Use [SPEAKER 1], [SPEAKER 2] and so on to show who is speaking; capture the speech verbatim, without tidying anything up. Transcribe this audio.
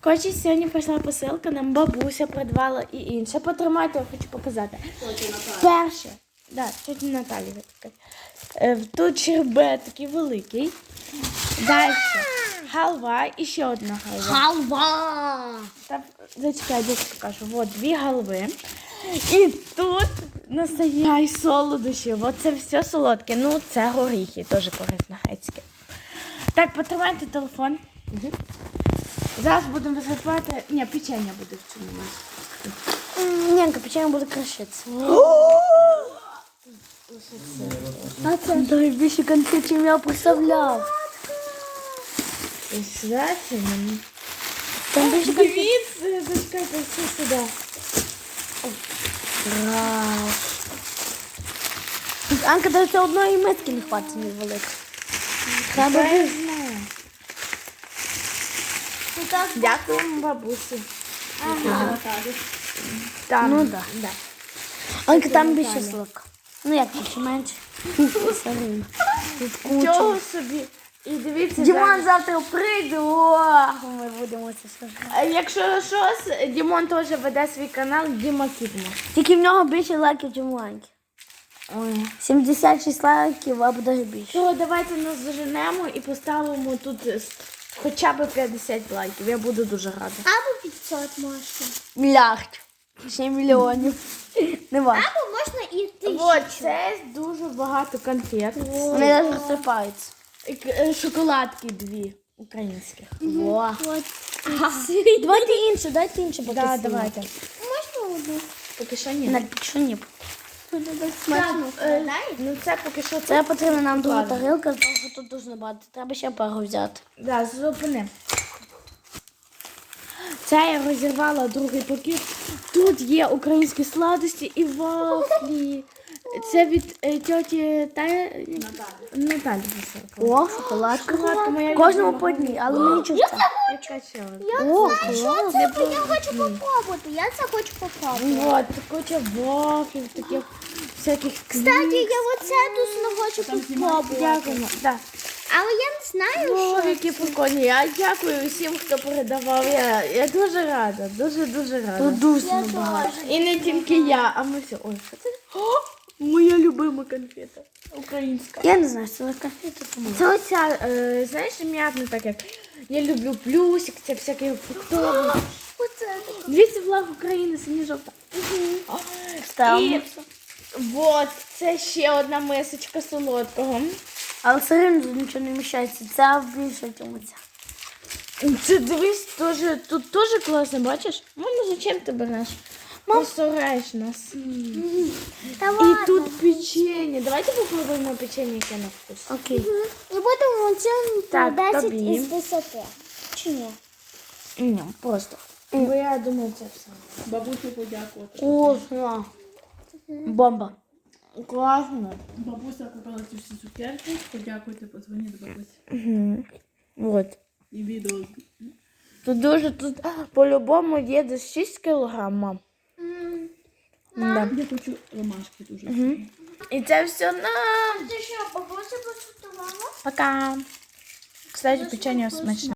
[SPEAKER 1] Коротше, сьогодні прийшла посилка, нам бабуся придбала і інше. Потримайте, я хочу показати. Перше, да, тетя Наталі. Е, Тут щербет такий великий. Далі халва і ще одна халва.
[SPEAKER 2] Халва!
[SPEAKER 1] Та, зачекай, я покажу. От дві халви. І тут настояй солодощі. От це все солодке. Ну, це горіхи, теж корисно грецьке. Так, потримайте телефон. Угу. Зараз будемо висипати. Ні, печення буде в цьому масі.
[SPEAKER 2] Ненька, печенье буде крашитися. А це дай більше конфет, чим я представляв.
[SPEAKER 1] Знаєте, мені.
[SPEAKER 2] Там більше конфет.
[SPEAKER 1] Дивіться, зачекайте, все сюди.
[SPEAKER 2] Раз. Анка, даже одної миски не хватить не велика. Треба
[SPEAKER 1] Я
[SPEAKER 2] більше.
[SPEAKER 1] знаю.
[SPEAKER 2] Ну, так,
[SPEAKER 1] Дякуємо бабусі.
[SPEAKER 2] Ага.
[SPEAKER 1] Там.
[SPEAKER 2] Ну, да.
[SPEAKER 1] Да.
[SPEAKER 2] Анка, там більше сливка. Ну, як більше, менше. Солі. Тут куча.
[SPEAKER 1] Чого собі? І дивіться,
[SPEAKER 2] Дімон
[SPEAKER 1] зараз.
[SPEAKER 2] завтра прийде, о, ми будемо це слухати.
[SPEAKER 1] А якщо щось, Дімон теж веде свій канал Діма Кітмо.
[SPEAKER 2] Тільки в нього більше лайків, ніж у Анки.
[SPEAKER 1] Ой.
[SPEAKER 2] сімдесят шість лайків, або навіть більше.
[SPEAKER 1] То давайте нас заженемо і поставимо тут е, хоча б п'ятдесят лайків. Я буду дуже рада.
[SPEAKER 3] Або п'ятсот можна.
[SPEAKER 2] Мільярд. Ще мільйонів. Не важко.
[SPEAKER 3] Або можна і тисячу.
[SPEAKER 1] От, це дуже багато конфет.
[SPEAKER 2] Вони навіть розсипаються.
[SPEAKER 1] І к- е, Шоколадки дві українських.
[SPEAKER 2] Во.
[SPEAKER 3] От.
[SPEAKER 2] Давайте інше, дайте інше поки.
[SPEAKER 1] Да,
[SPEAKER 2] сильно.
[SPEAKER 1] давайте.
[SPEAKER 3] Можна одну?
[SPEAKER 1] Поки що ні.
[SPEAKER 2] Навіть поки що ні.
[SPEAKER 3] Смачно.
[SPEAKER 1] Е, Ну це поки що це.
[SPEAKER 2] Це потрібна нам друга
[SPEAKER 1] Ладно.
[SPEAKER 2] тарілка, тому що тут дуже багато. Треба ще пару взяти.
[SPEAKER 1] Да, зупини. Це я розірвала другий пакет. Тут є українські сладості і вафлі. Це від е, тьоті та... Наталі.
[SPEAKER 2] О, шоколадка.
[SPEAKER 1] Шоколадка моя
[SPEAKER 2] Кожному
[SPEAKER 1] любима.
[SPEAKER 2] по одній, але мені чувствую.
[SPEAKER 1] Яка ще одна?
[SPEAKER 2] О,
[SPEAKER 3] Що
[SPEAKER 2] клас.
[SPEAKER 3] це? Я хочу попробувати. Я це хочу попробувати.
[SPEAKER 1] Вот, куча вафлів, таких всяких
[SPEAKER 3] Кстати, я оце дуже хочу попробувати.
[SPEAKER 1] Дякуємо. Да.
[SPEAKER 3] Але я не знаю,
[SPEAKER 1] О,
[SPEAKER 3] що
[SPEAKER 1] які прикольні. Я дякую всім, хто передавав. Я, я дуже рада, дуже-дуже рада.
[SPEAKER 2] Тут дуже
[SPEAKER 3] я
[SPEAKER 2] багато.
[SPEAKER 3] теж.
[SPEAKER 1] І не тільки я, а ми всі. Ой, що це? О, моя любима конфета. Українська.
[SPEAKER 2] Я не знаю, що це конфети, тому.
[SPEAKER 1] Це оця, е, знаєш, м'ятна так як. Я люблю плюсик, це всякі фруктові.
[SPEAKER 3] Оце.
[SPEAKER 1] Дивіться, флаг України, сині-жовта.
[SPEAKER 2] Ставимо.
[SPEAKER 1] І от, це ще одна мисочка солодкого.
[SPEAKER 2] Але все одно тут нічого не вміщається. Це більше, ніж ця.
[SPEAKER 1] Це дивись, тоже, тут теж класно, бачиш? Мама, зачем ти береш? Посораєш нас.
[SPEAKER 3] Та
[SPEAKER 1] І
[SPEAKER 3] ладно.
[SPEAKER 1] тут печення. Давайте попробуємо печення, яке на вкус.
[SPEAKER 2] Окей.
[SPEAKER 3] І будемо оцінити
[SPEAKER 1] Так,
[SPEAKER 3] десять
[SPEAKER 1] тобі.
[SPEAKER 3] із десяти. Чи ні?
[SPEAKER 1] Ні, просто. Бо я думаю, це все.
[SPEAKER 4] Бабусі подякувати.
[SPEAKER 2] Вкусно. Бомба.
[SPEAKER 1] Класно.
[SPEAKER 4] Бабуся купила ці всі цукерки. Подякуйте, подзвоніть до бабусі.
[SPEAKER 1] Угу. От.
[SPEAKER 4] І відео.
[SPEAKER 1] Тут дуже, тут по-любому є десь шість кілограм, мам. Да.
[SPEAKER 4] Я хочу ромашки дуже.
[SPEAKER 1] І це все нам.
[SPEAKER 3] Ти що, бабуся посутувала?
[SPEAKER 1] Пока. Кстати, печення смачне.